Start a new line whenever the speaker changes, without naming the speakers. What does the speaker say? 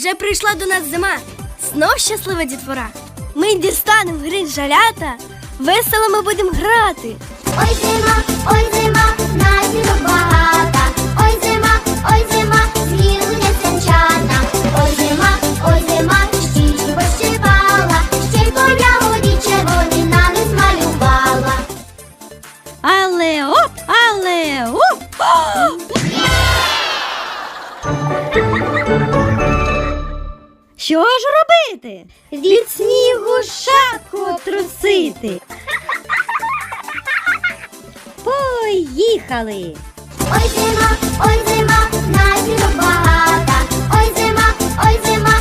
Вже прийшла до нас зима. Знов щаслива дітвора. Ми дістанемо гриль жалята, весело ми будемо грати.
Ой зима, наснігу багата. Ой зима, злізуня сенчата. Ой зима, щічку пощипала, ще й по ягоді червоні на них змалювала.
Але оп, але оп! Що ж робити? Від снігу шапку трусити. Поїхали!
Ой зима, наснігу багата. Ой зима,